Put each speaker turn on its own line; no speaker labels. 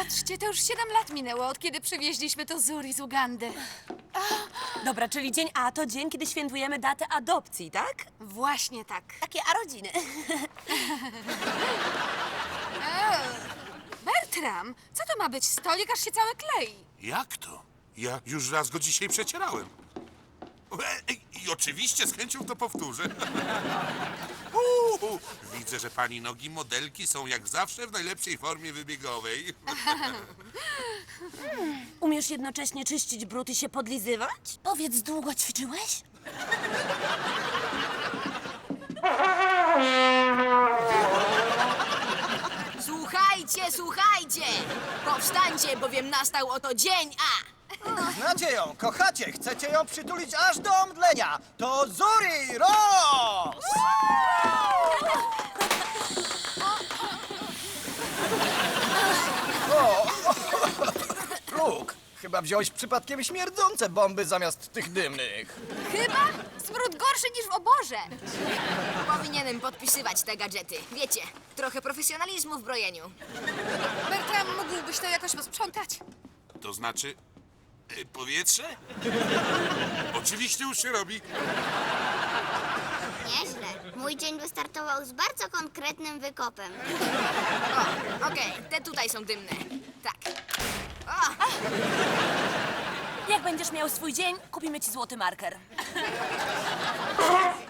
Patrzcie, to już 7 lat minęło, od kiedy przywieźliśmy to Zuri z Ugandy.
Dobra, czyli dzień A to dzień, kiedy świętujemy datę adopcji, tak?
Właśnie tak.
Takie arodziny.
Bertram, co to ma być? Stolik aż się cały klei.
Jak to? Ja już raz go dzisiaj przecierałem. I oczywiście z chęcią to powtórzę. Widzę, że pani nogi modelki są jak zawsze w najlepszej formie wybiegowej.
Umiesz jednocześnie czyścić brud i się podlizywać? Powiedz, długo ćwiczyłeś?
Słuchajcie, słuchajcie! Powstańcie, bowiem nastał oto dzień A!
Znacie ją, kochacie, chcecie ją przytulić aż do omdlenia. To Zuri Ross! Brooke, chyba wziąłeś przypadkiem śmierdzące bomby zamiast tych dymnych.
Chyba? Smród gorszy niż w oborze.
Powinienem podpisywać te gadżety. Wiecie, trochę profesjonalizmu w brojeniu.
Bertram, mógłbyś to jakoś posprzątać?
To znaczy... powietrze? Oczywiście już się robi.
Nieźle. Mój dzień wystartował z bardzo konkretnym wykopem.
O, okej, te tutaj są dymne. Tak. O,
Jak będziesz miał swój dzień, kupimy ci złoty marker.